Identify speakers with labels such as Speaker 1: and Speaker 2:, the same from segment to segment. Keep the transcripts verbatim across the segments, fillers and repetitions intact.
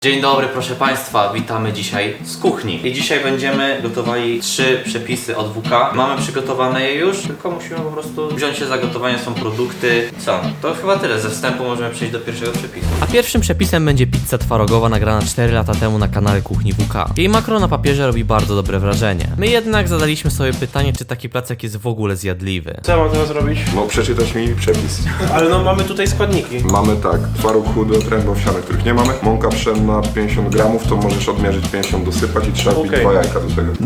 Speaker 1: Dzień dobry, proszę Państwa, witamy dzisiaj z kuchni. I dzisiaj będziemy gotowali trzy przepisy od W K. Mamy przygotowane je już, tylko musimy po prostu wziąć się za gotowanie, są produkty. Co? To chyba tyle, ze wstępu możemy przejść do pierwszego przepisu. A pierwszym przepisem będzie pizza twarogowa nagrana cztery lata temu na kanale Kuchni W K. Jej makro na papierze robi bardzo dobre wrażenie. My jednak zadaliśmy sobie pytanie, czy taki placek jest w ogóle zjadliwy.
Speaker 2: Co ja mam teraz robić?
Speaker 3: No przeczytać mi przepis.
Speaker 2: Ale no mamy tutaj składniki.
Speaker 3: Mamy tak, twaróg chudy od tręby owsiane, których nie mamy. Mąka pszenna pięćdziesiąt gramów, to możesz odmierzyć pięćdziesiąt, dosypać i trzeba wbić
Speaker 2: Okej.
Speaker 3: dwa jajka do tego.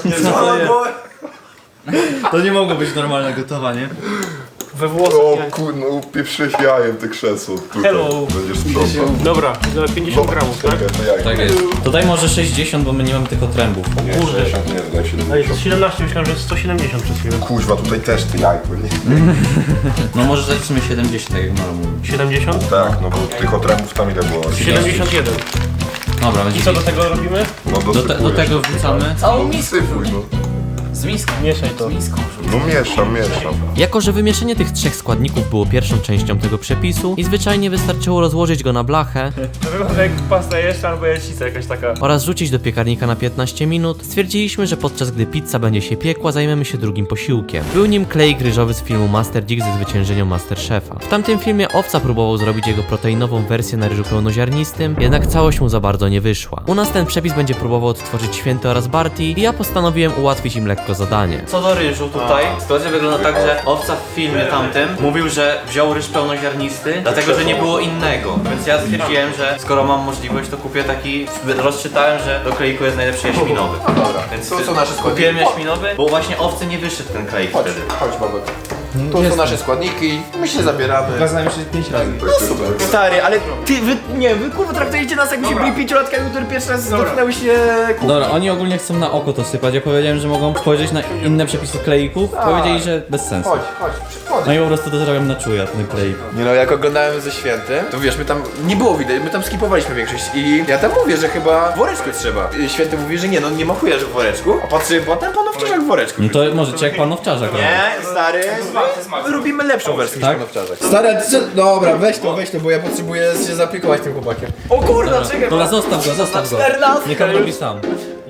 Speaker 4: To nie mogło być normalne gotowanie.
Speaker 3: O
Speaker 2: We włosach.
Speaker 3: kur... no upieprzyłeś jajem te krzesło. Tutaj
Speaker 2: Hello.
Speaker 3: będziesz sprzątał.
Speaker 2: Dobra, za pięćdziesiąt gramów, tak?
Speaker 3: Czekaj, to jajko.
Speaker 4: Tak jest. Tutaj może sześćdziesiąt, bo my nie mamy tylko trębów.
Speaker 3: Nie,
Speaker 2: Kurde.
Speaker 3: sześćdziesiąt nie, daj
Speaker 2: A jest
Speaker 3: siedemdziesiąt.
Speaker 2: siedemnaście, myślałem, że jest sto siedemdziesiąt przez chwilę.
Speaker 3: Kuźwa, tutaj też ty jajko, nie?
Speaker 4: No może zaliczymy siedemdziesiąt, tak jak Maro mówi.
Speaker 2: siedemdziesiąt?
Speaker 3: Tak, no bo tych otrębów tam ile było?
Speaker 2: siedemdziesiąt jeden.
Speaker 4: Dobra, będzie
Speaker 2: I co do tego robimy?
Speaker 3: No
Speaker 4: do, te, do
Speaker 3: dosypujesz.
Speaker 4: tego wrzucamy.
Speaker 3: No dosypuj, no.
Speaker 4: Z miską.
Speaker 2: Mieszaj to.
Speaker 4: Z miską.
Speaker 3: No mieszam, mieszam.
Speaker 1: Jako że wymieszanie tych trzech składników było pierwszą częścią tego przepisu i zwyczajnie wystarczyło rozłożyć go na blachę
Speaker 2: To wygląda jak pasta jeszcze albo jajcica jakaś taka.
Speaker 1: oraz rzucić do piekarnika na piętnaście minut, stwierdziliśmy, że podczas gdy pizza będzie się piekła, zajmiemy się drugim posiłkiem. Był nim klejk ryżowy z filmu Master Dick ze zwyciężeniem Masterchefa. W tamtym filmie Owca próbował zrobić jego proteinową wersję na ryżu pełnoziarnistym, jednak całość mu za bardzo nie wyszła. U nas ten przepis będzie próbował odtworzyć Święty oraz Barty i ja postanowiłem ułatwić im lekko zadanie. Co do ryżu tutaj, sytuacja wygląda tak, że Owca w filmie tamtym mówił, że wziął ryż pełnoziarnisty, dlatego że nie było innego. Więc ja stwierdziłem, że skoro mam możliwość, to kupię taki. Rozczytałem, że do kleiku jest najlepszy jaśminowy.
Speaker 3: No dobra,
Speaker 1: Więc
Speaker 3: to są nasze składniki.
Speaker 1: kupiłem jaśminowy, bo właśnie Owcy nie wyszedł ten kleik
Speaker 3: Chodź,
Speaker 1: wtedy.
Speaker 3: chodź babek. To są nasze składniki, my się zabieramy.
Speaker 4: Znamy się pięć razy.
Speaker 5: Stary, ale ty, wy, nie, wy kurwa traktujecie nas jakbyśmy byli pięciolatkami, które pierwszy raz dotknęły się...
Speaker 4: Dobra, oni ogólnie chcą na oko to sypać. Ja powiedziałem, że mogą spojrzeć na inne przepisy kleików. Powiedzieli, że bez sensu.
Speaker 3: Chodź, chodź, chodź.
Speaker 4: No i po prostu to zrobiłem na czuja, ten kleik.
Speaker 5: Nie no, jak oglądałem ze Świętym, to wiesz, my tam nie było widać, my tam skipowaliśmy większość i ja tam mówię, że chyba w woreczku trzeba. I Święty mówi, że nie, no nie ma chuja, że w woreczku, a patrzy potem panowczarzak w woreczku.
Speaker 4: No to możecie jak panowczarzak robić.
Speaker 5: Nie, stary, my robimy lepszą wersję
Speaker 4: Tak?
Speaker 5: niż panowczarzak. Stary, a ty co? Dobra, weź to, weź to, bo ja potrzebuję się zaopiekować tym chłopakiem. O kurwa, czekaj,
Speaker 4: Dobra, zostaw go, zostaw go.
Speaker 5: czternastkę
Speaker 4: Niech on robi sam.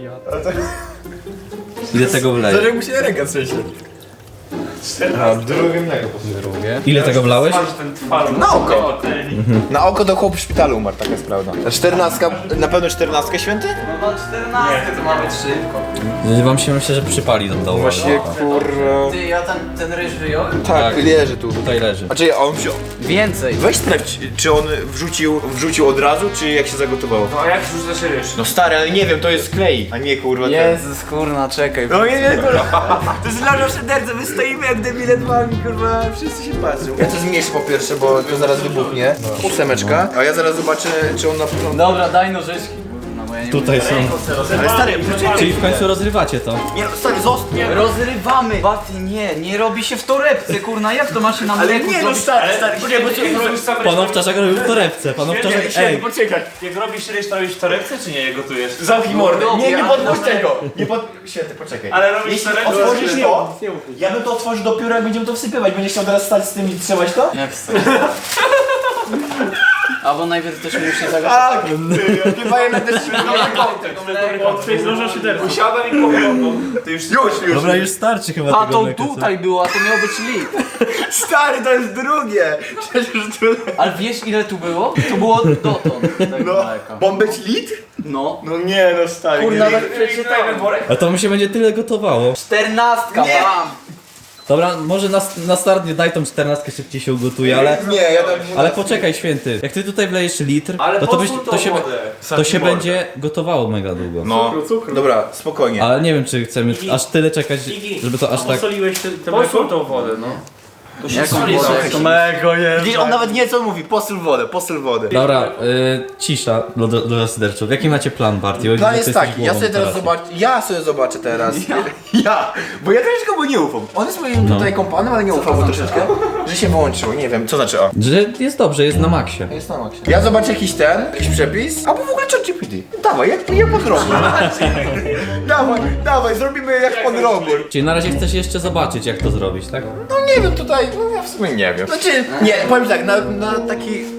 Speaker 4: Ile tego wleje?
Speaker 5: Stary, mu się ręka trzęsie.
Speaker 4: Ile tego wlałeś?
Speaker 5: Na oko! Na oko to chłop w szpitalu umarł, taka jest prawda. A czternastka, na pewno czternastkę Święty?
Speaker 4: Wam się myślę, że przypali do dołu.
Speaker 5: Właśnie kurwa...
Speaker 1: Ty, ja ten, ten ryż wyjąłem?
Speaker 5: Tak,
Speaker 4: Tak.
Speaker 5: leży tu.
Speaker 4: Tutaj leży.
Speaker 5: A czy on wziął...
Speaker 1: Więcej.
Speaker 5: Weź sprawdź, czy on wrzucił, wrzucił od razu, czy jak się zagotowało.
Speaker 2: No a jak rzucasz ryż?
Speaker 5: No stary, ale nie wiem, to jest klej, a nie kurwa ten.
Speaker 1: Jezus, kurna, czekaj.
Speaker 5: No nie, nie, kurwa. To jest loża w szyderce, my stoimy jak debile dwami, kurwa, wszyscy się patrzą. Ja to zmniejszę po pierwsze, bo to zaraz wybuchnie. Ósemeczka, a ja zaraz zobaczę, czy on na początku...
Speaker 1: Dobra, daj nożyczki. No, bo ja nie
Speaker 4: Tutaj są.
Speaker 5: Ale stary, poczekaj.
Speaker 4: Czyli w końcu rozrywacie to.
Speaker 5: Nie, no, stary, zostaw.
Speaker 6: Rozrywamy! Baty, nie, nie robi się w torebce, kurna, jak to ma się na
Speaker 5: Ale
Speaker 6: mleku
Speaker 5: nie, no
Speaker 6: zrobić?
Speaker 5: stary, stary, poczekaj,
Speaker 2: Jak
Speaker 5: poczekaj.
Speaker 2: robisz sam ryż,
Speaker 4: Panowczarzak robił w torebce. Panowczarzak, ej.
Speaker 5: Poczekaj.
Speaker 2: jak robisz ryż, to robisz w torebce, czy nie je gotujesz?
Speaker 5: Zamknij mordę. Nie, nie
Speaker 6: Dobra,
Speaker 5: podpuść
Speaker 6: dobra.
Speaker 5: tego. Nie pod... Święty, poczekaj.
Speaker 2: Ale robisz
Speaker 5: Jeśli
Speaker 2: torebkę,
Speaker 5: otworzysz
Speaker 2: to-
Speaker 5: to, ja bym to otworzył dopiero jak będziemy to wsypywać. Będziesz chciał teraz stać z tym i trzymać to?
Speaker 6: Jak stoi? Albo najpierw też musi zagrać.
Speaker 5: Tak. Chyba jednak też się
Speaker 2: To jest loża szyderka. Usiadam i powiem.
Speaker 5: Ty już, już, już.
Speaker 4: Dobra, już starczy chyba
Speaker 6: A
Speaker 4: tego
Speaker 6: to
Speaker 4: mleka, co?
Speaker 6: tutaj było, a to miało być lit.
Speaker 5: Stary, to jest drugie. Przecież tu...
Speaker 6: Ale wiesz ile tu było? To było dotąd tego
Speaker 5: No,
Speaker 6: mleka.
Speaker 5: mam być lit?
Speaker 6: No.
Speaker 5: No nie, no stary.
Speaker 6: Kurna,
Speaker 5: nie.
Speaker 6: tak przeczytałem.
Speaker 4: A to mi się będzie tyle gotowało.
Speaker 6: Czternastka,
Speaker 5: Nie.
Speaker 6: bam!
Speaker 4: Dobra, może na, na start nie daj tą czternastkę, szybciej się ugotuje, ale...
Speaker 5: Nie, ja tam...
Speaker 4: Ale poczekaj, Święty, jak ty tutaj wlejesz litr,
Speaker 2: Ale
Speaker 4: no to, byś,
Speaker 2: posól
Speaker 4: to
Speaker 2: tą
Speaker 4: się,
Speaker 2: wodę.
Speaker 4: to się będzie gotowało mega długo.
Speaker 5: No, dobra, spokojnie.
Speaker 4: Ale nie wiem, czy chcemy aż tyle czekać, żeby to aż tak...
Speaker 2: Posoliłeś te, te mleko, tą wodę, no.
Speaker 6: To się
Speaker 2: Jaką
Speaker 6: soli,
Speaker 2: wodę?
Speaker 6: słuchaj, to
Speaker 5: Mego jest. Widzisz, on nawet nie co mówi, posyl wodę, posyl wodę.
Speaker 4: Dobra, y, cisza dla, dla zasyderczów. Jaki macie plan, Barty?
Speaker 5: Plan jest taki, ja sobie teraz zobaczę, ja sobie zobaczę teraz. Ja? ja, bo ja troszeczkę mu nie ufam. On jest moim
Speaker 4: No.
Speaker 5: tutaj kompanem, ale nie ufam mu troszeczkę, że się wyłączyło, nie wiem, co znaczy o.
Speaker 4: Że jest dobrze, jest na maksie.
Speaker 5: Jest na maksie. Ja zobaczę jakiś ten, jakiś przepis, albo w ogóle ChatGPT. Dawaj, jak, jak pod robór. dawaj, dawaj, zrobimy jak pod robór.
Speaker 4: Czyli na razie chcesz jeszcze zobaczyć, jak to zrobić, tak?
Speaker 5: No nie wiem, tutaj, no ja w sumie nie wiem. Znaczy, nie, powiem tak, na, na taki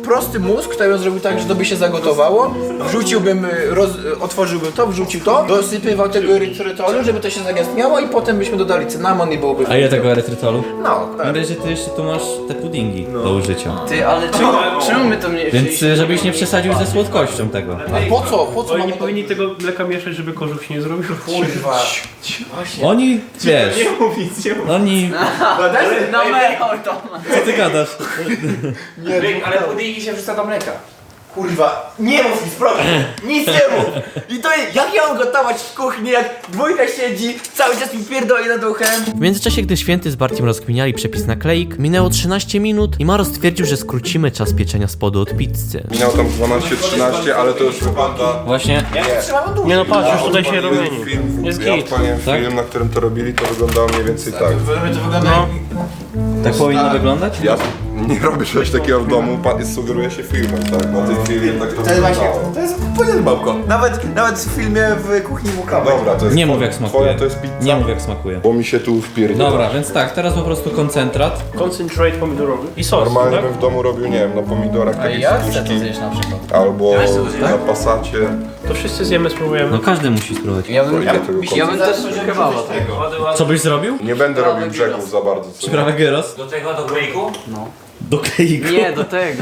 Speaker 5: prosty mózg, to ja bym zrobił tak, że to by się zagotowało, wrzuciłbym, y, roz, y, otworzyłbym to, wrzucił to, dosypywał tego erytrytolu, żeby to się zagęstniało i potem byśmy dodali cynamon i byłoby...
Speaker 4: A ile tego erytrytolu?
Speaker 5: No, tak.
Speaker 4: Mam nadzieję, że ty jeszcze tu masz te puddingi do użycia.
Speaker 6: Ty, ale czemu, czemu my to nie...
Speaker 4: Więc y, żebyś nie przesadził ze słodkością tego.
Speaker 5: A po co? Po co
Speaker 2: Oni
Speaker 5: mamy
Speaker 2: nie powinni tego mleka mieszać, żeby kożuch się nie zrobił.
Speaker 5: Kurwa.
Speaker 4: Oni, wiesz,
Speaker 2: mówić, nie mówić.
Speaker 4: oni...
Speaker 6: No mechol to.
Speaker 4: Co ty gadasz?
Speaker 5: Ale puddingi się wrzuca do mleka. Kurwa, nie mów nic, proszę, nic nie mów! I to jest, jak ja mam gotować w kuchni, jak dwójka siedzi, cały czas mi pierdoli nad uchem.
Speaker 1: W międzyczasie, gdy Święty z Bartim rozkminiali przepis na kleik, minęło trzynaście minut i Maro stwierdził, że skrócimy czas pieczenia spodu od pizzy.
Speaker 3: Minęło tam dwanaście trzynaście, ale to już wygląda...
Speaker 4: Właśnie,
Speaker 5: Trzymamy dłużej.
Speaker 2: Nie no patrz, już tutaj się
Speaker 3: Jeden
Speaker 2: rumieni.
Speaker 3: film,
Speaker 2: Jest
Speaker 3: ja
Speaker 2: git.
Speaker 3: odpaliłem
Speaker 4: Tak?
Speaker 3: film, na którym to robili, to wyglądało mniej więcej tak.
Speaker 5: To wygląda
Speaker 2: No.
Speaker 4: tak powinno wyglądać?
Speaker 3: Ja nie robię czegoś takiego w domu, pa- sugeruję się filmem, tak? Na tej chwili jednak to
Speaker 5: To jest właśnie,
Speaker 3: wyglądało.
Speaker 5: to jest pojebałko. Nawet, nawet w filmie w kuchni Łukawa.
Speaker 3: Dobra, to jest
Speaker 4: Nie
Speaker 3: two-
Speaker 4: mów jak smakuje.
Speaker 3: Twoja to jest pizza,
Speaker 4: Nie mów jak smakuje.
Speaker 3: bo mi się tu wpierdala.
Speaker 4: Dobra, więc tak, teraz po prostu koncentrat.
Speaker 2: Concentrate pomidorowy i sos,
Speaker 3: Normalnie
Speaker 2: tak?
Speaker 3: bym w domu robił, nie wiem, na pomidorach
Speaker 6: A
Speaker 3: takie
Speaker 6: ja chcę to
Speaker 3: spuszki,
Speaker 6: zjeść na przykład.
Speaker 3: albo na pasacie.
Speaker 2: To wszyscy zjemy, spróbujemy.
Speaker 1: No każdy musi spróbować.
Speaker 6: Ja bym,
Speaker 3: Ja tego
Speaker 6: ja bym też kebaba tego.
Speaker 4: Co byś zrobił?
Speaker 3: Nie będę robił brzegów za bardzo. Co?
Speaker 4: Przyprawę gyros?
Speaker 7: Do tego, do kleiku?
Speaker 4: Do kleiku.
Speaker 6: Nie, do tego.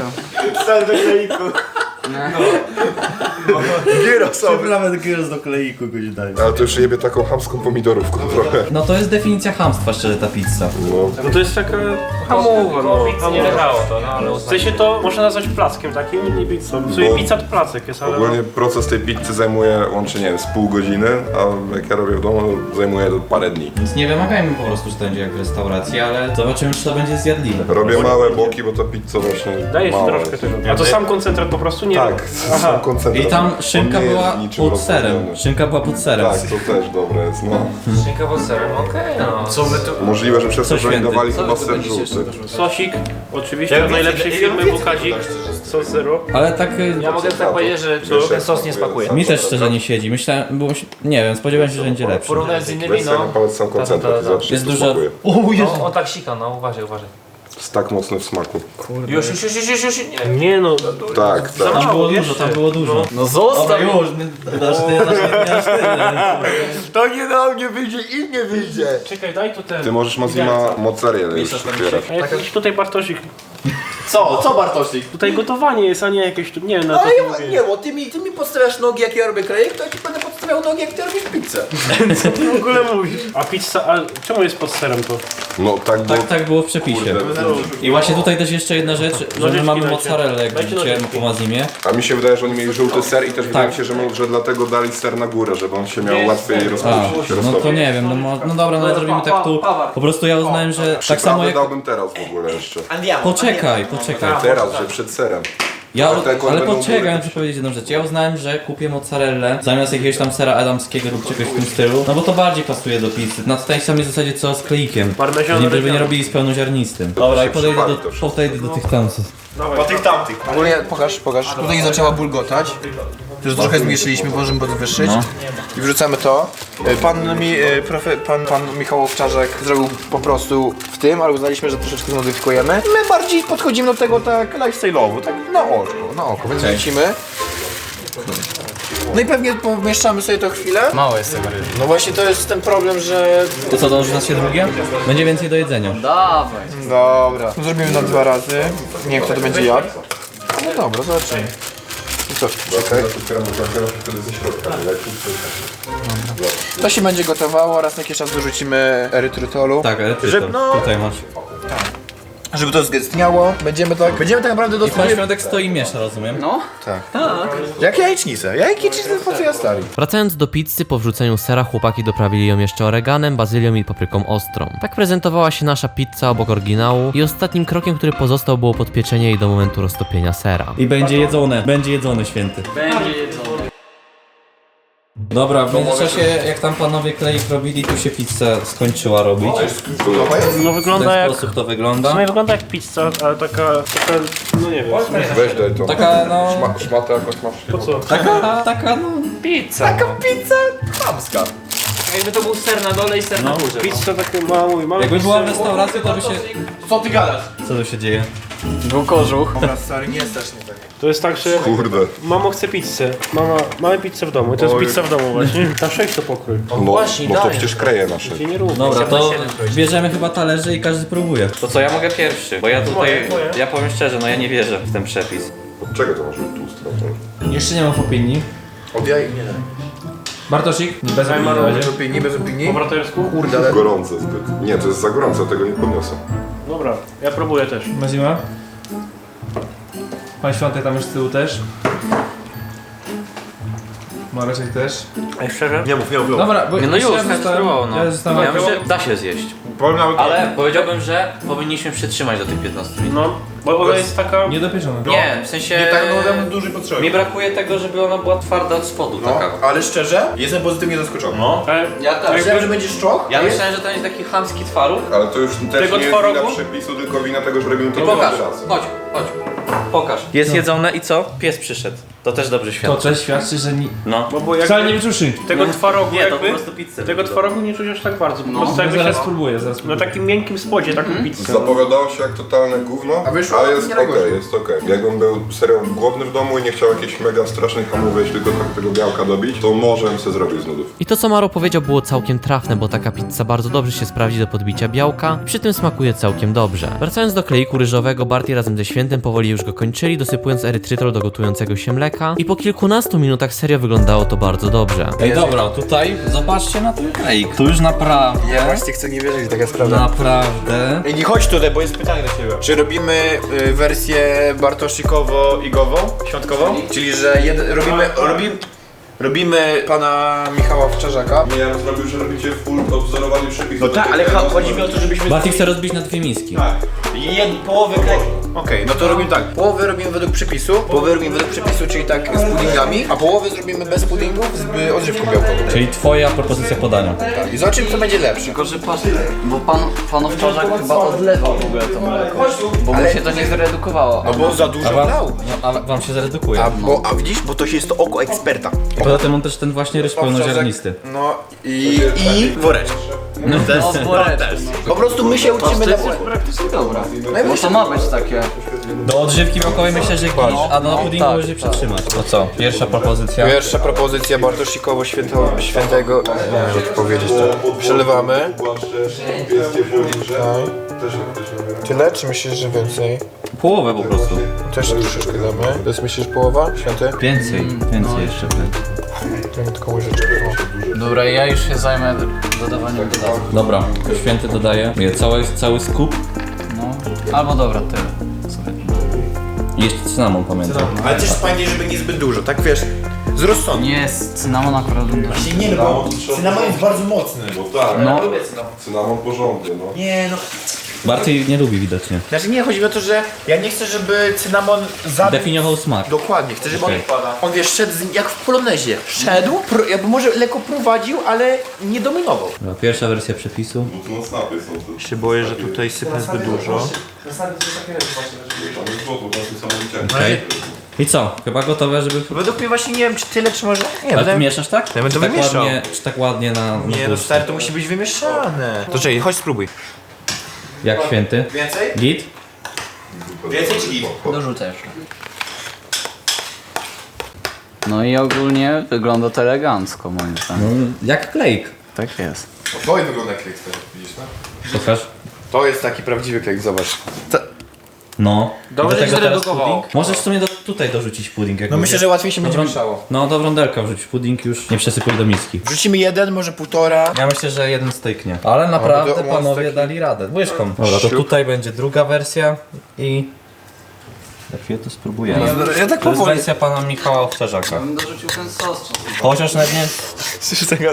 Speaker 3: Gyrosowy.
Speaker 4: Przyprawę gyros do kleiku goś daj.
Speaker 3: Ale to już jebie taką chamską pomidorówką trochę.
Speaker 4: No to jest definicja chamstwa, szczerze, ta pizza.
Speaker 3: No.
Speaker 2: No to jest taka hamowa, no.
Speaker 7: Pizzy nie leżało to, no ale
Speaker 2: W sensie to można nazwać plackiem takim, nie pizzą. W sumie
Speaker 3: Bo-
Speaker 2: pizza to placek jest, ale...
Speaker 3: Ogólnie proces tej pizzy zajmuje łącznie, nie wiem, z pół godziny, a jak ja robię w domu, to zajmuje to parę dni.
Speaker 4: Więc nie wymagajmy po prostu, że to będzie jak w restauracji, ale zobaczymy, czy to będzie zjadliwe.
Speaker 3: Robię małe boki, bo ta pizza właśnie
Speaker 2: Daje się
Speaker 3: mała
Speaker 2: troszkę
Speaker 3: jest.
Speaker 2: tego. A to sam koncentrat po prostu? Nie
Speaker 3: Tak,
Speaker 2: Aha.
Speaker 3: sam koncentrat.
Speaker 4: I tam szynka
Speaker 3: On nie jest
Speaker 4: była
Speaker 3: niczym
Speaker 4: pod serem.
Speaker 3: rozwodniony.
Speaker 4: Szynka była pod serem.
Speaker 3: Tak, to też dobre jest, no.
Speaker 7: szynka pod serem, okej no. Co wy tu...
Speaker 3: Możliwe, że przez to,
Speaker 4: Co
Speaker 3: że oni
Speaker 4: święty?
Speaker 3: dawali
Speaker 6: Co
Speaker 3: chyba
Speaker 6: wy tu
Speaker 3: ser
Speaker 6: będziecie
Speaker 3: żółty.
Speaker 6: jeszcze
Speaker 2: Sosik, oczywiście, od najlepszej firmy Bukazik, sos zero.
Speaker 4: Ale tak y,
Speaker 7: Ja mogę tak powiedzieć, że
Speaker 3: Wiesz,
Speaker 7: ten
Speaker 3: jak
Speaker 7: sos nie
Speaker 3: smakuje.
Speaker 7: smakuje.
Speaker 4: mi też szczerze nie siedzi. Myślałem, bo nie wiem, spodziewałem się, że będzie lepszy.
Speaker 7: Porównać z innymi,
Speaker 3: Weź sobie na
Speaker 7: no.
Speaker 3: palec sam koncentrat i zobacz,
Speaker 4: Jest
Speaker 3: jak to
Speaker 4: dużo...
Speaker 3: smakuje.
Speaker 4: O Jezu!
Speaker 7: No, on tak sika, no uważaj, uważaj.
Speaker 3: Jest tak mocny w smaku.
Speaker 7: Już, już, już, już, już, już, nie.
Speaker 2: Nie no,
Speaker 3: Tak, tak.
Speaker 4: Tam było
Speaker 2: jeszcze.
Speaker 4: dużo, tam było dużo.
Speaker 6: No zostaw!
Speaker 4: Dobra, już, nie dasz ty, dasz ty, dasz ty.
Speaker 5: To nie na mnie wyjdzie i nie wyjdzie.
Speaker 2: czekaj, daj tu ten.
Speaker 3: Ty możesz Mazima mozzarella już otwierać.
Speaker 2: A jakiś tutaj Bartosik.
Speaker 5: Co? Co Bartosik?
Speaker 2: Tutaj gotowanie jest, a nie jakieś tu, nie wiem na
Speaker 5: No
Speaker 2: to
Speaker 5: ale
Speaker 2: mówię.
Speaker 5: ja, nie, bo ty mi, ty mi podstawiasz nogi jak ja robię klejek, to ja ci będę podstawiał nogi jak ty robisz pizzę.
Speaker 2: Co ty w ogóle mówisz? A pizza, a czemu jest pod serem to?
Speaker 3: No tak było.
Speaker 4: Tak, tak było w przepisie.
Speaker 3: Kurde.
Speaker 4: I właśnie tutaj też jeszcze jedna rzecz, że my
Speaker 2: Nożyczki
Speaker 4: mamy
Speaker 2: dajcie.
Speaker 4: mozzarellę, jak
Speaker 2: Dajcie
Speaker 4: widzicie,
Speaker 2: nożyczki.
Speaker 4: po mazimie.
Speaker 3: A mi się wydaje, że oni mieli żółty ser i też wydaje mi
Speaker 4: Tak.
Speaker 3: się, że, mo- że dlatego dali ser na górę, żeby on się miał łatwiej
Speaker 4: A,
Speaker 3: rozpuścić.
Speaker 4: no to nie wiem, no, mo- no dobra, no ale zrobimy tak tu. Po prostu ja uznałem, że tak samo
Speaker 3: Przyprawy
Speaker 4: jak...
Speaker 3: dałbym teraz w ogóle jeszcze.
Speaker 5: Andiamo.
Speaker 4: Poczekaj, poczekaj.
Speaker 3: Teraz, że przed serem.
Speaker 4: Ja,
Speaker 3: Ale te
Speaker 4: ale
Speaker 3: będą
Speaker 4: poczekaj,
Speaker 3: góry.
Speaker 4: muszę powiedzieć jedną rzecz. Ja uznałem, że kupię mozzarellę zamiast jakiegoś tam sera adamskiego lub czegoś w tym stylu, no bo to bardziej pasuje do pizzy. Na tej samej zasadzie co z kleikiem.
Speaker 2: Parmesan
Speaker 4: Nie, żeby nie
Speaker 2: oregano.
Speaker 4: robili z pełnoziarnistym. Dobra, i podejdę
Speaker 3: przypali
Speaker 4: do,
Speaker 3: to wszystko.
Speaker 4: podejdę do tych tamców.
Speaker 5: Po tych tamtych. Ogólnie pokaż, pokaż. Tutaj zaczęła bulgotać. Już trochę zmniejszyliśmy, możemy podwyższyć. I wrzucamy to. Y, Pan, mi, y, profe, pan, pan Michał Owczarzek zrobił po prostu w tym, ale uznaliśmy, że troszeczkę zmodyfikujemy. My bardziej podchodzimy do tego tak lifestyle'owo, tak na oko, na oko, więc wrzucimy. No i pewnie pomieszczamy sobie to chwilę.
Speaker 6: Mało jest tego ryby.
Speaker 5: No właśnie to jest ten problem, że...
Speaker 4: To co, dąży nas się drugie? Będzie więcej do jedzenia.
Speaker 6: Dawaj.
Speaker 5: Dobra. Zrobimy na dwa razy. Nie wiem kto to będzie jadł. No dobra, zobaczymy. I co?
Speaker 3: Czekaj, otwieram butelkę, wtedy ze środka. leci.
Speaker 5: To się będzie gotowało, raz na jakiś czas dorzucimy erytrytolu.
Speaker 4: Tak, ale ty
Speaker 5: Że-
Speaker 4: to,
Speaker 5: no-
Speaker 4: tutaj masz.
Speaker 5: Żeby to zgęstniało. Będziemy tak... Będziemy tak naprawdę
Speaker 4: I pan
Speaker 5: dosyć...
Speaker 4: Świątek stoi i miesza, rozumiem?
Speaker 6: No?
Speaker 5: Jak jajecznicę. Jajecznicę po co ja stali?
Speaker 1: Wracając do pizzy, po wrzuceniu sera chłopaki doprawili ją jeszcze oreganem, bazylią i papryką ostrą. Tak prezentowała się nasza pizza obok oryginału i ostatnim krokiem, który pozostał, było podpieczenie jej do momentu roztopienia sera.
Speaker 4: I będzie jedzone, będzie jedzone, święty.
Speaker 6: Będzie jedzone.
Speaker 4: Dobra, w międzyczasie jak tam panowie kleik robili, tu się pizza skończyła robić.
Speaker 2: No
Speaker 4: W
Speaker 2: wygląda
Speaker 4: ten
Speaker 2: jak...
Speaker 4: sposób to
Speaker 2: W
Speaker 4: wygląda.
Speaker 2: sumie wygląda jak pizza, ale taka... taka no nie wiem.
Speaker 3: Weź daj to.
Speaker 4: Taka no...
Speaker 3: Szma, szmatę jakąś masz?
Speaker 2: Po co?
Speaker 4: Taka, taka no...
Speaker 7: Pizza.
Speaker 5: Taka pizza chamska.
Speaker 7: Jakby to był ser na dole i ser na górze.
Speaker 2: Pizza takie mały, mały
Speaker 4: Jakby była w
Speaker 2: ser.
Speaker 4: restauracji, to by się...
Speaker 5: Co ty gadasz?
Speaker 4: Co tu się dzieje?
Speaker 6: Był kożuch.
Speaker 5: Dobra, stary, nie strasznie tak.
Speaker 2: To jest tak, że
Speaker 3: Kurde.
Speaker 2: mamo chce pizzę. Mama, mamy pizzę w domu. I to jest
Speaker 3: Oj.
Speaker 2: pizza w domu właśnie. Na sześć to pokrój.
Speaker 3: No, bo to przecież kreje nasze.
Speaker 2: Się nie równa.
Speaker 4: Dobra, to bierzemy chyba talerze i każdy próbuje.
Speaker 1: To co, ja mogę pierwszy, bo ja tutaj,
Speaker 2: Moje, moje.
Speaker 1: ja powiem szczerze, no ja nie wierzę w ten przepis.
Speaker 3: Od czego to może być tłuste?
Speaker 4: Jeszcze nie mam opinii.
Speaker 5: Od jaj nie.
Speaker 4: Bartosik? Bez opinii.
Speaker 2: Zajmano.
Speaker 4: na razie.
Speaker 5: Bez opinii, bez opinii.
Speaker 2: Po bratersku?
Speaker 5: Kurde, ale...
Speaker 3: Gorące zbyt. Nie, to jest za gorące, tego nie podniosę.
Speaker 2: Dobra, ja próbuję też.
Speaker 8: Mazima? Pan Świątek tam już z tyłu też. Mareczek też.
Speaker 1: Ej, szczerze?
Speaker 2: Nie mów, nie mów.
Speaker 8: Dobra, bo
Speaker 1: Nie, no
Speaker 8: jeszcze
Speaker 1: już,
Speaker 8: ja
Speaker 1: tak
Speaker 8: zostałem-
Speaker 1: spróbował, no.
Speaker 8: Ja zostałem...
Speaker 1: Ja myślę, da się zjeść. Ale powiedziałbym, że powinniśmy przytrzymać do tych piętnastu minut.
Speaker 2: No, bo ona jest taka...
Speaker 8: Niedopieczony.
Speaker 1: Nie, w sensie...
Speaker 5: Nie tak no, duży potrzeby.
Speaker 1: Mi brakuje tego, żeby ona była twarda od spodu,
Speaker 5: No,
Speaker 1: taka.
Speaker 5: ale szczerze, jestem pozytywnie zaskoczony. No.
Speaker 2: Ale
Speaker 6: Ja też.
Speaker 5: Myślałem, że będzie szczok.
Speaker 1: Ja myślałem, że to jest taki chamski twaróg.
Speaker 3: Ale to już też
Speaker 2: Tego
Speaker 3: nie jest
Speaker 2: twarogu?
Speaker 3: wina przepisu, tylko wina tego, że robimy to
Speaker 1: I pokaż,
Speaker 3: drugi raz.
Speaker 1: chodź, chodź. Pokaż. Jest jedzone i co? Pies przyszedł. To też dobrze
Speaker 8: To
Speaker 1: świadczy.
Speaker 8: też świadczy, że ni...
Speaker 1: No.
Speaker 2: bo, bo jakby
Speaker 8: Wcale nie wyczuszy.
Speaker 2: tego twarogu
Speaker 1: Nie, to po
Speaker 2: jakby...
Speaker 1: prostu pizzę.
Speaker 2: Tego twarogu nie czuć aż tak bardzo. Po prostu
Speaker 8: Ja
Speaker 2: jakby
Speaker 8: zaraz
Speaker 2: się...
Speaker 8: spróbuję, zaraz
Speaker 2: Na
Speaker 8: spróbuję.
Speaker 2: takim miękkim spodzie taką pizzę.
Speaker 3: Zapowiadało się jak totalne gówno,
Speaker 5: A wyszło?
Speaker 3: ale jest
Speaker 5: Nie
Speaker 3: okej,
Speaker 5: najgorzej.
Speaker 3: jest okej. Jakbym był serio głodny w domu i nie chciał jakiejś mega strasznej hamowej, tylko tak tego białka dobić, to może bym sobie zrobił z nudów.
Speaker 1: I to co Maro powiedział było całkiem trafne, bo taka pizza bardzo dobrze się sprawdzi do podbicia białka i przy tym smakuje całkiem dobrze. Wracając do kleiku ryżowego, Barty razem ze Świętym powoli już go kończyli, dosypując erytrytol do gotującego się mleka i po kilkunastu minutach serio wyglądało to bardzo dobrze.
Speaker 4: Ej, dobra, tutaj zobaczcie na ten kleik. Tu już naprawdę,
Speaker 5: Ja właśnie chcę nie wierzyć, taka sprawa.
Speaker 4: naprawdę...
Speaker 5: Ej, nie chodź tutaj, bo jest pytanie do ciebie. Czy robimy y, wersję bartosikowo-igową, świątkową? Czyli, że jed, robimy, robimy, robimy pana Michała Owczarzaka.
Speaker 3: Nie, ja bym zrobił, że robicie full odwzorowany przepis.
Speaker 5: No tak, ale cho- chodzi mi o to, żebyśmy...
Speaker 4: Barty chce rozbić na dwie miski.
Speaker 5: Jed, połowę klej... Okej, no to robimy tak. Połowę robimy według przepisu, połowę robimy według przepisu, czyli tak z puddingami, a połowę zrobimy bez puddingów z y, odżywką białkową.
Speaker 4: Czyli twoja propozycja podania.
Speaker 5: Tak. I zobaczymy, co będzie lepsze.
Speaker 6: Tylko, że patrz, bo pan, pan Owczarzak chyba odlewał w ogóle to mleko. Bo mu się to nie zredukowało.
Speaker 5: No bo za
Speaker 4: A
Speaker 5: dużo
Speaker 4: wam,
Speaker 5: brał.
Speaker 4: no, a wam się zredukuje.
Speaker 5: A, bo, a widzisz, bo to się jest to oko eksperta.
Speaker 4: Poza tym on też ten właśnie ryż pełnoziarnisty.
Speaker 5: No i, i woreczek.
Speaker 6: No woreczek.
Speaker 5: Po prostu my się uczymy na woreczek.
Speaker 6: Praktycznie dobra. Bo to ma być takie.
Speaker 4: Do odżywki białkowej myślę, że git, a do puddingu
Speaker 6: tak,
Speaker 4: może przytrzymać. To co? Pierwsza propozycja.
Speaker 5: Pierwsza propozycja Bartosikowo święto, świętego. Nie wiem, jak to powiedzieć. To przelewamy. Tyle, czy myślisz, że więcej?
Speaker 4: Połowę po prostu.
Speaker 5: Też troszeczkę damy. To jest myślisz połowa? Święty?
Speaker 4: Więcej, więcej jeszcze.
Speaker 5: To mi tylko łyżeczkę.
Speaker 6: Dobra, ja już się zajmę dodawaniem dodatków.
Speaker 4: Dobra, Święty dodaje. Je cały, cały skup.
Speaker 6: No. Albo dobra, tyle. Słuchaj.
Speaker 4: I jeszcze cynamon pamiętam.
Speaker 5: Ale też pamiętaj, żeby nie zbyt dużo, tak wiesz? Z rozsądku.
Speaker 6: Nie jest cynamon akurat bym też
Speaker 5: Nie, no bo cynamon jest bardzo mocny.
Speaker 3: Bo tak,
Speaker 6: No.
Speaker 3: cynamon porządny, no.
Speaker 5: Nie, no.
Speaker 4: Barty nie lubi widocznie.
Speaker 5: Znaczy nie, chodzi mi o to, że ja nie chcę, żeby cynamon zabił.
Speaker 4: Definiował smak.
Speaker 5: Dokładnie, chcę, żeby on,
Speaker 4: Okej.
Speaker 5: on wiesz, szedł z, jak w polonezie. Szedł, pro, jakby może lekko prowadził, ale nie dominował.
Speaker 4: Dobra, pierwsza wersja przepisu.
Speaker 3: Bo to snapy są to.
Speaker 5: Się boję, że tutaj sypnę zbyt dużo.
Speaker 4: Okej. I co? Chyba gotowe, żeby...
Speaker 5: Według mnie właśnie nie wiem, czy tyle, czy może... Nie,
Speaker 4: Ale ty
Speaker 5: będę...
Speaker 4: mieszasz tak?
Speaker 5: Ja bym to
Speaker 4: czy tak
Speaker 5: wymieszał.
Speaker 4: ładnie, czy tak ładnie na, na
Speaker 5: Nie no
Speaker 4: tłuszcz?
Speaker 5: stary, to musi być wymieszane. To czekaj, chodź spróbuj.
Speaker 4: Jak Święty?
Speaker 5: Więcej?
Speaker 4: Git?
Speaker 5: Więcej czy git?
Speaker 6: dorzucę jeszcze. No i ogólnie wygląda to elegancko moim zdaniem.
Speaker 4: No, jak klejk.
Speaker 6: Tak jest.
Speaker 3: To wygląda jak klej, widzisz, no?
Speaker 4: Pokaż.
Speaker 5: To jest taki prawdziwy klej, zobacz. Ta...
Speaker 4: No.
Speaker 6: Dobrze,
Speaker 4: I do tego
Speaker 6: że
Speaker 4: teraz
Speaker 6: zredukowało.
Speaker 4: pudding. Możesz w sumie do, tutaj dorzucić pudding. Jak
Speaker 5: No myślę,
Speaker 4: będzie.
Speaker 5: że łatwiej się będzie
Speaker 4: Dobra.
Speaker 5: mieszało.
Speaker 4: No do wrondelka wrzuć pudding już. Nie przesypuj do miski.
Speaker 5: Wrzucimy jeden, może półtora.
Speaker 4: Ja myślę, że jeden styknie. Ale naprawdę
Speaker 5: to-
Speaker 4: panowie
Speaker 5: taki-
Speaker 4: dali radę. Łyżką. Dobra, to
Speaker 5: Siup.
Speaker 4: tutaj będzie druga wersja i... Za chwilę to spróbujemy.
Speaker 5: Ja tak
Speaker 4: To jest
Speaker 5: powoli.
Speaker 4: wersja pana Michała Owczarzaka.
Speaker 6: Bym dorzucił ten sos.
Speaker 4: Chociaż nawet nie...
Speaker 5: Słyszysz tego?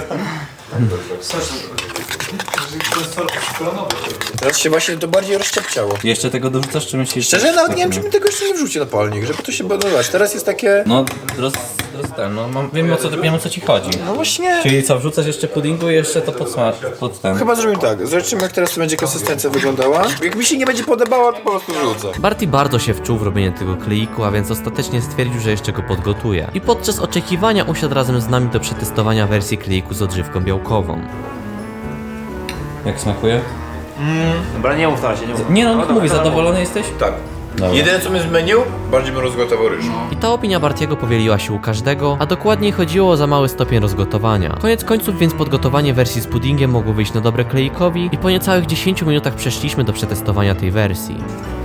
Speaker 5: Teraz się właśnie to bardziej rozszczepciało.
Speaker 4: Jeszcze tego dorzucasz, czy myślisz?
Speaker 5: Szczerze, nawet nie wiem, czy mi tego jeszcze nie wrzuci na palnik, żeby to się budować. Teraz jest takie...
Speaker 4: No, roz, roz, ten, no mam, wiem o co, wiem o co ci chodzi.
Speaker 5: No właśnie...
Speaker 4: Czyli co, wrzucasz jeszcze puddingu i jeszcze to podsmaż, pod ten.
Speaker 5: Chyba zrobimy tak, zobaczymy jak teraz to będzie konsystencja wyglądała. Jak mi się nie będzie podobała, to po prostu wrzucę.
Speaker 1: Barty bardzo się wczuł w robienie tego kleiku, a więc ostatecznie stwierdził, że jeszcze go podgotuje. I podczas oczekiwania usiadł razem z nami do przetestowania wersji kleiku z odżywką białkową.
Speaker 4: Jak smakuje?
Speaker 7: Dobra, nie mów na razie, nie mów.
Speaker 4: Nie no, mówi, zadowolony jesteś?
Speaker 5: Tak. Jedyne co bym zmienił, bardziej bym rozgotował ryż.
Speaker 1: I ta opinia Bartiego powieliła się u każdego, a dokładniej chodziło o za mały stopień rozgotowania. Koniec końców więc podgotowanie wersji z puddingiem mogło wyjść na dobre klejkowi i po niecałych dziesięciu minutach przeszliśmy do przetestowania tej wersji.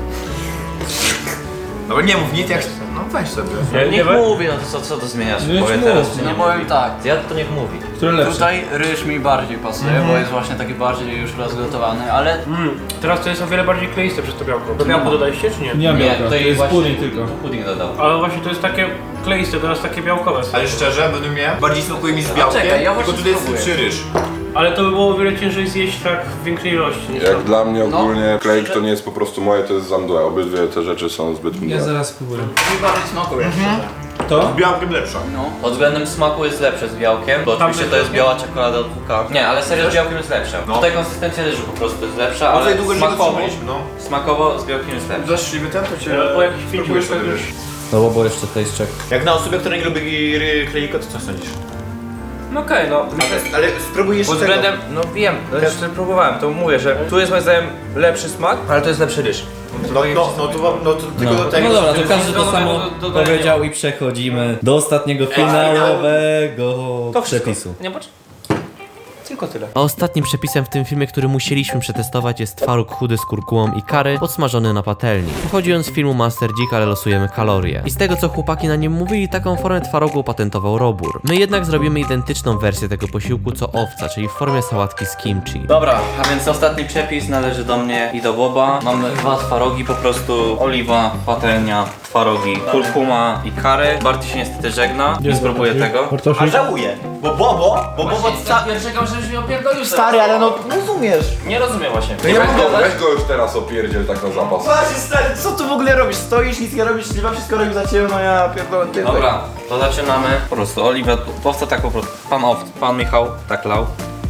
Speaker 5: No nie mów nic jak... No weź sobie.
Speaker 7: Nie,
Speaker 4: Niech
Speaker 7: nie,
Speaker 4: mówi, no to co, co to zmieniasz?
Speaker 8: No już
Speaker 4: Powie
Speaker 8: mów.
Speaker 4: teraz, czy nie
Speaker 6: No
Speaker 4: mówi?
Speaker 6: powiem tak.
Speaker 4: Ja to niech mówi.
Speaker 8: Które lepsze?
Speaker 6: Tutaj ryż mi bardziej pasuje, bo jest właśnie taki bardziej już rozgotowany, ale
Speaker 7: Mm, teraz to jest o wiele bardziej kleiste przez to białko. To białko dodaliście czy nie?
Speaker 8: Nie mam
Speaker 4: Nie,
Speaker 8: białka, to
Speaker 4: tutaj
Speaker 8: jest
Speaker 4: właśnie
Speaker 8: pudding tylko.
Speaker 4: Pudding dodał.
Speaker 7: Ale właśnie to jest takie kleiste, teraz takie białkowe.
Speaker 5: Ale szczerze, według mnie bardziej smakuje mi z białkiem,
Speaker 6: czekaj, ja
Speaker 5: tylko
Speaker 6: właśnie
Speaker 5: tutaj jest
Speaker 6: spróbuję.
Speaker 5: lepszy ryż.
Speaker 7: Ale to by było o wiele ciężej zjeść tak w większej ilości niż
Speaker 3: Jak
Speaker 7: to.
Speaker 3: dla mnie ogólnie klejk to nie jest po prostu moje, to jest zandue. Obydwie te rzeczy są zbyt
Speaker 8: Ja
Speaker 3: mdłe.
Speaker 8: zaraz spróbuję.
Speaker 6: mi bardziej smakuje.
Speaker 8: To?
Speaker 5: Z białkiem lepsza.
Speaker 6: No.
Speaker 4: Pod względem smaku jest lepsze z białkiem, bo oczywiście to jest biała czekolada od W K. Nie, ale serio z białkiem jest lepsza. Tutaj konsystencja ryżu po prostu jest lepsza, ale
Speaker 5: tutaj długo nie
Speaker 4: smakowo,
Speaker 5: dotrzymaliśmy, no.
Speaker 4: smakowo z białkiem jest lepsza.
Speaker 5: Zaszliwy ten, to cię...
Speaker 7: Ale po jakichś pięciu łyżkach już...
Speaker 4: No bo jeszcze taste check.
Speaker 5: Jak na osobę, która nie lubi ry- klejka, to co sądzisz?
Speaker 7: No okej, no.
Speaker 5: Ale spróbuj jeszcze
Speaker 2: Pod
Speaker 5: tego.
Speaker 2: względem, no wiem, zresztą próbowałem, to mówię, że tu jest moim zdaniem lepszy smak, ale to jest lepszy ryż.
Speaker 5: No, no, no, to, wam- no to tylko do tego.
Speaker 4: No dobra, to
Speaker 7: Więc
Speaker 4: każdy to
Speaker 7: do-
Speaker 4: samo
Speaker 7: do- do- dodaję
Speaker 4: powiedział i przechodzimy do ostatniego finałowego
Speaker 2: To wszystko.
Speaker 4: przepisu.
Speaker 2: Nie patrz. Tylko tyle.
Speaker 1: A ostatnim przepisem w tym filmie, który musieliśmy przetestować, jest twaróg chudy z kurkułą i curry podsmażony na patelni. Pochodzi on z filmu Master Dzik, ale losujemy kalorie. I z tego co chłopaki na nim mówili, taką formę twarogu opatentował Robur. My jednak zrobimy identyczną wersję tego posiłku co owca, czyli w formie sałatki z kimchi.
Speaker 4: Dobra, a więc ostatni przepis należy do mnie i do Boba. Mamy dwa twarogi, po prostu oliwa, patelnia, twarogi, kurkuma i curry. Barty się niestety żegna, nie spróbuję tego.
Speaker 5: A żałuję, bo Bobo, bo Bobo... Sta-
Speaker 7: Ja czekam, żebyś mnie opierdolił.
Speaker 5: stary, ale no rozumiesz.
Speaker 7: Nie rozumiem właśnie.
Speaker 5: No ja mam
Speaker 3: Weź go, weź go już teraz opierdziel tak na zapas.
Speaker 5: Właśnie stary, co tu w ogóle robisz? Stoisz, nic nie robisz, chyba wszystko robisz za ciebie, no ja pierdolę ty.
Speaker 4: Dobra, to zaczynamy. Po prostu oliwę, owca tak po prostu. Pan ow, pan Michał tak lał.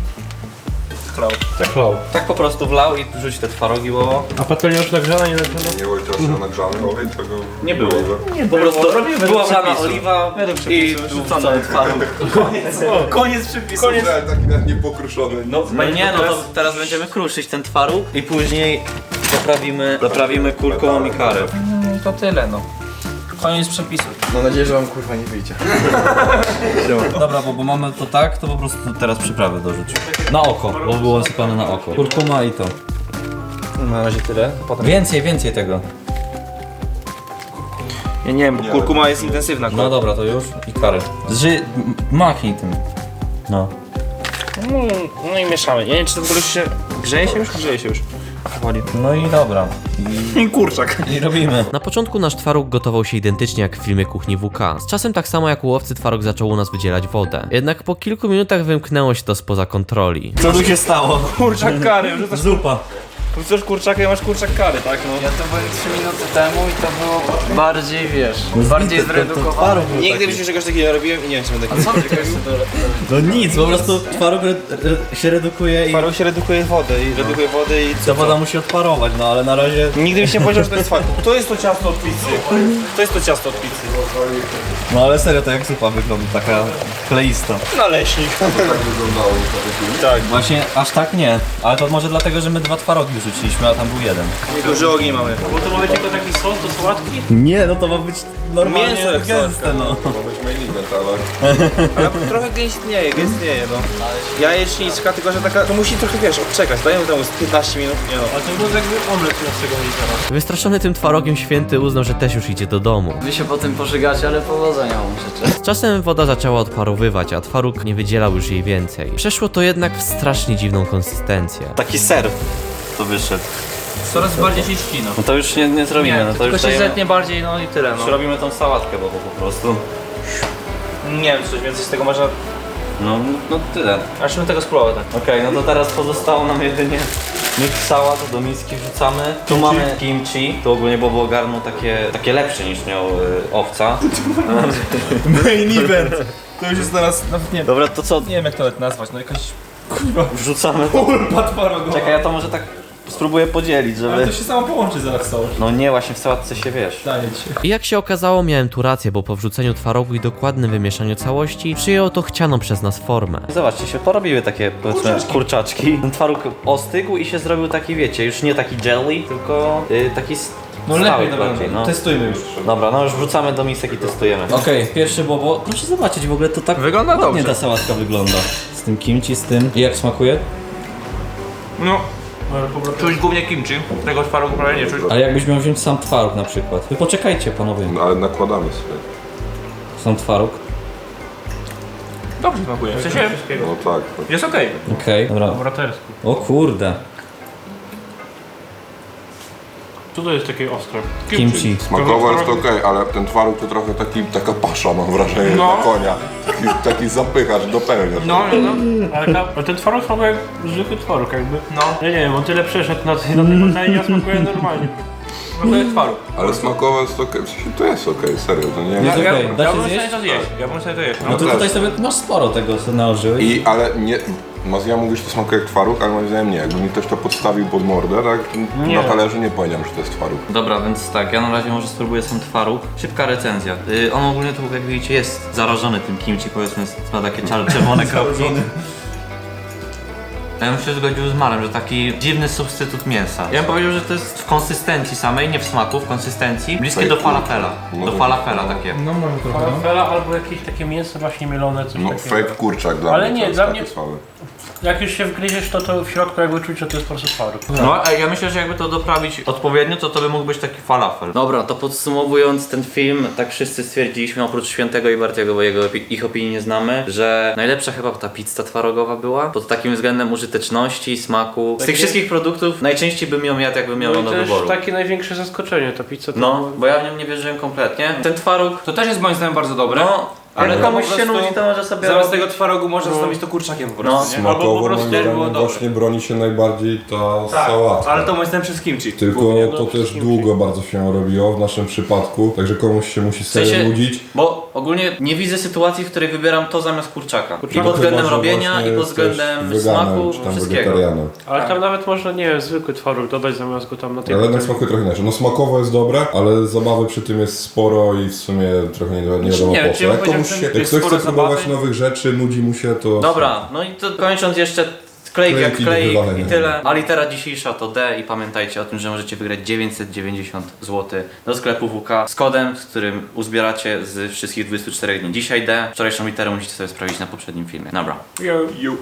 Speaker 8: Tak lał.
Speaker 4: Tak po prostu wlał i rzuć te twarogi, bo
Speaker 8: A patelnia już nagrzana, nie nagrzana?
Speaker 3: Nie było teraz na nagrzany olej tego...
Speaker 4: Nie było.
Speaker 3: Nie
Speaker 4: po prostu była wlana oliwa i wrzucony twaróg.
Speaker 5: Koniec przepisu.
Speaker 3: Koniec. Taki nawet niepokruszony.
Speaker 4: No, nie, no to teraz będziemy kruszyć ten twaróg i później doprawimy, doprawimy kurką i curry.
Speaker 2: I to tyle, no. Koniec przepisu.
Speaker 5: Mam nadzieję, że wam kurwa nie wyjdzie.
Speaker 4: Dobra, bo, bo mamy to tak, to po prostu teraz przyprawy dorzuć. Na oko, bo było sypane na oko. Kurkuma i to.
Speaker 2: Na razie tyle. Potem...
Speaker 4: Więcej, więcej tego.
Speaker 2: Ja nie wiem, bo kurkuma jest intensywna.
Speaker 4: No dobra, to już i curry. Zży... m- machnij tym. No.
Speaker 2: No, no i mieszamy. Ja nie wiem, czy to w ogóle się... Grzeje się już? Grzeje się już. Powoli.
Speaker 4: No i dobra.
Speaker 2: I kurczak.
Speaker 4: I robimy.
Speaker 1: Na początku nasz twaróg gotował się identycznie jak w filmie Kuchni W K. Z czasem tak samo jak u owcy twaróg zaczął u nas wydzielać wodę. Jednak po kilku minutach wymknęło się to spoza kontroli.
Speaker 4: Co tu się stało?
Speaker 2: Kurczak kary, wrzucasz,
Speaker 4: Zupa.
Speaker 2: wrzucasz kurczaka i masz kurczak kary, tak? No.
Speaker 6: Ja to byłem trzy minuty temu i to było bardziej, wiesz, bardziej zredukowane.
Speaker 2: Nigdy w życiu czegoś takiego nie robiłem i nie wiem, czy będę
Speaker 6: A co ty chcesz to
Speaker 4: No nic, po prostu twaróg re, re, się redukuje i
Speaker 2: Parą się redukuje wodę i redukuje wodę i
Speaker 4: ta woda musi odparować, no ale na razie...
Speaker 2: nigdy byś nie powiedział, że to jest fakt. To jest to ciasto od pizzy. To jest to ciasto od pizzy.
Speaker 4: No ale serio, to jak zupa wygląda, taka kleista.
Speaker 2: Naleśnik.
Speaker 3: Tak wyglądało w
Speaker 2: Tak.
Speaker 4: Właśnie aż tak nie, ale to może dlatego, że my dwa twarogi wrzuciliśmy, a tam był jeden.
Speaker 2: Duży ogień mamy.
Speaker 7: Bo to ma być tylko taki sos do sałatki?
Speaker 4: Nie, no to ma być normalnie
Speaker 2: Mięso jak
Speaker 4: gęste, no.
Speaker 3: To ma być main event, ale...
Speaker 2: Ale trochę gęstnieje, gęstnieje, no. Jajeczniczka, tylko że taka, to musi trochę, wiesz, odczekać. Dajmy temu z piętnaście minut, nie no.
Speaker 7: Ale to wygląda jakby omlet naszego litera.
Speaker 1: Wystraszony tym twarogiem święty uznał, że też już idzie do domu.
Speaker 6: Wy się po tym pożygacie, ale powodzenia wam życzę.
Speaker 1: Z czasem woda zaczęła odparowywać, a twaróg nie wydzielał już jej więcej. Przeszło to jednak w strasznie dziwną konsystencję.
Speaker 4: Taki ser to wyszedł.
Speaker 7: Coraz bardziej się ścina.
Speaker 4: No to już nie, nie zrobimy,
Speaker 7: Nie,
Speaker 4: no to
Speaker 7: tylko
Speaker 4: już
Speaker 7: się
Speaker 4: dajemy...
Speaker 7: zetnie bardziej, no i tyle,
Speaker 4: Już
Speaker 7: no.
Speaker 4: robimy tą sałatkę, bo, bo po prostu...
Speaker 2: Nie wiem, coś więcej z tego można...
Speaker 4: No, no tyle.
Speaker 2: Aż bym tego spróbował, tak.
Speaker 4: Okej, no to teraz pozostało nam jedynie miks sałat, do miski wrzucamy. Tu mamy kimchi, to ogólnie Bobo ogarnął takie, takie lepsze niż miał y, owca.
Speaker 8: Main event. To już jest teraz, nawet nie,
Speaker 4: Dobra, to co?
Speaker 8: nie wiem jak to nawet nazwać, no jakaś
Speaker 4: Wrzucamy to.
Speaker 8: ulpa twarogowa.
Speaker 4: Czekaj, ja to może tak spróbuję podzielić,
Speaker 8: Ale
Speaker 4: żeby...
Speaker 8: to się samo połączy zaraz całość.
Speaker 4: No nie, właśnie w sałatce się wiesz.
Speaker 8: Daję ci.
Speaker 1: I jak się okazało, miałem tu rację, bo po wrzuceniu twarogu i dokładnym wymieszaniu całości przyjęło to chcianą przez nas formę.
Speaker 4: Zobaczcie, się porobiły takie, powiedzmy, kurczaczki. kurczaczki. Ten twaróg ostygł i się zrobił taki, wiecie, już nie taki jelly, tylko y, taki s-
Speaker 7: No
Speaker 4: Stałych
Speaker 7: lepiej, dobra,
Speaker 4: bardziej, no.
Speaker 7: testujmy już.
Speaker 4: Dobra, no już wrzucamy do misek i testujemy.
Speaker 9: Okej, pierwszy bobo. Proszę zobaczyć, w ogóle to tak
Speaker 2: Wygląda
Speaker 9: ładnie
Speaker 2: dobrze.
Speaker 9: ta sałatka wygląda. Z tym kimchi, z tym. I jak smakuje?
Speaker 2: No, czuć głównie kimchi, tego twarogu prawie nie czuć.
Speaker 9: Ale jakbyś miał wziąć sam twaróg na przykład. Wy poczekajcie panowie.
Speaker 3: No, ale nakładamy sobie.
Speaker 9: Sam twaróg.
Speaker 2: Dobrze smakuje, w sensie
Speaker 3: No tak. tak.
Speaker 2: jest okej.
Speaker 9: Okej, dobra.
Speaker 7: Braterski.
Speaker 9: O kurde.
Speaker 7: Co to jest takie ostre?
Speaker 9: Kimchi.
Speaker 3: Smakowo jest okej, ale ten twaróg to trochę taki, taka pasza mam wrażenie
Speaker 7: No.
Speaker 3: na konia. Taki, taki zapychacz, dopełniasz.
Speaker 7: No, no, no. Ale, ta, ale ten twaróg smakuje jak zwykły twaróg jakby. No. Ja nie wiem, on tyle przeszedł na, tej- na tej patelni, a smakuje normalnie.
Speaker 2: Smakuje twaróg.
Speaker 3: Ale smakowo jest okej, w sensie to jest okej, serio, to nie
Speaker 9: Jest
Speaker 3: jest...
Speaker 9: okej, da
Speaker 2: Ja
Speaker 9: się
Speaker 2: bym sobie
Speaker 9: zjeść?
Speaker 2: to zjeść, ja bym sobie to jeść.
Speaker 9: No to
Speaker 3: też.
Speaker 9: tutaj sobie masz sporo tego, co nałożyłeś.
Speaker 3: I, ale nie, Mazja mówi, że to smakuje jak twaróg, ale moim zdaniem nie. Jakby mi ktoś to podstawił pod mordę, tak,
Speaker 7: Nie.
Speaker 3: na talerzu nie powiedziałem, że to jest twaróg.
Speaker 4: Dobra, więc tak, ja na razie może spróbuję sam twaróg. Szybka recenzja. Yy, on ogólnie tu, jak widzicie, jest zarażony tym kimchi, powiedzmy, ma takie czar- czerwone kropki. Ja bym się zgodził z Marem, że taki dziwny substytut mięsa. Ja bym powiedział, że to jest w konsystencji samej, nie w smaku, w konsystencji, bliskie do falafela. Do falafela takie.
Speaker 7: No mamy trochę. Falafela albo jakieś takie mięso właśnie mielone, coś
Speaker 3: No
Speaker 7: takiego.
Speaker 3: fake kurczak dla
Speaker 7: Ale
Speaker 3: mnie.
Speaker 7: nie,
Speaker 3: to jest
Speaker 7: dla
Speaker 3: takie
Speaker 7: mnie-
Speaker 3: słabe.
Speaker 7: Jak już się wgryziesz, to to w środku jakby czuć, że to jest po prostu twaróg.
Speaker 4: No, a ja myślę, że jakby to doprawić odpowiednio, to to by mógł być taki falafel. Dobra, to podsumowując ten film, tak wszyscy stwierdziliśmy, oprócz Świętego i Bartiego, bo jego, opi- ich opinii nie znamy, że najlepsza chyba ta pizza twarogowa była, pod takim względem użyteczności, smaku. Z tych
Speaker 7: Takie-
Speaker 4: wszystkich produktów najczęściej bym ją jadł, jakbym miał
Speaker 7: No
Speaker 4: ją
Speaker 7: i
Speaker 4: do
Speaker 7: też
Speaker 4: wyboru.
Speaker 7: takie największe zaskoczenie, ta pizza to
Speaker 4: No,
Speaker 7: było-
Speaker 4: bo ja w nią nie wierzyłem kompletnie. Ten twaróg,
Speaker 2: To też jest moim zdaniem bardzo dobre.
Speaker 4: no, ale
Speaker 2: Ale
Speaker 4: komuś
Speaker 2: po
Speaker 4: się
Speaker 2: prostu
Speaker 4: nudzi, to może sobie
Speaker 2: Zamiast
Speaker 4: robić.
Speaker 2: tego twarogu można zastąpić to kurczakiem po
Speaker 4: No.
Speaker 2: prostu, nie? Albo po
Speaker 3: Smakowo
Speaker 2: prostu
Speaker 3: moim
Speaker 2: też było
Speaker 3: zdaniem
Speaker 2: dobre.
Speaker 3: właśnie broni się najbardziej ta
Speaker 2: Tak,
Speaker 3: sałatka.
Speaker 2: ale to moim zdaniem przez kimchi.
Speaker 3: Tylko
Speaker 7: Głównie,
Speaker 3: to
Speaker 7: no,
Speaker 3: też
Speaker 7: kimchi.
Speaker 3: długo bardzo się robiło w naszym przypadku, także komuś się musi
Speaker 4: W
Speaker 3: serio
Speaker 4: sensie,
Speaker 3: nudzić.
Speaker 4: bo ogólnie nie widzę sytuacji, w której wybieram to zamiast kurczaka. I
Speaker 3: Chyba,
Speaker 4: pod względem
Speaker 3: że
Speaker 4: robienia,
Speaker 3: właśnie
Speaker 4: i pod
Speaker 3: jesteś
Speaker 4: względem
Speaker 3: weganem,
Speaker 4: smaku,
Speaker 3: czy tam
Speaker 4: wszystkiego.
Speaker 3: wegetarianem.
Speaker 7: Ale tam nawet można, nie wiem, zwykły twaróg dodać zamiast go tam na tej
Speaker 3: Ale jednak
Speaker 7: patelni.
Speaker 3: smakuje trochę inaczej. No smakowo jest dobre, ale zabawy przy tym jest sporo i w sumie trochę nie, nie wiadomo
Speaker 2: nie,
Speaker 3: po co.
Speaker 2: czy ja
Speaker 3: Jak
Speaker 2: bym
Speaker 3: komuś
Speaker 2: powiedział,
Speaker 3: się,
Speaker 2: że
Speaker 3: jak
Speaker 2: jest
Speaker 3: ktoś chce
Speaker 2: sporo
Speaker 3: próbować
Speaker 2: zabawy?
Speaker 3: nowych rzeczy, nudzi mu się, to...
Speaker 4: Dobra, no i to kończąc jeszcze klejk jak
Speaker 3: Klejki
Speaker 4: klejk
Speaker 3: do wywalenia.
Speaker 4: i tyle. A litera dzisiejsza to D i pamiętajcie o tym, że możecie wygrać dziewięćset dziewięćdziesiąt złotych do sklepu W K z kodem, z którym uzbieracie z wszystkich dwudziestu czterech dni. Dzisiaj D, wczorajszą literę musicie sobie sprawdzić na poprzednim filmie. Dobra.
Speaker 7: Ja-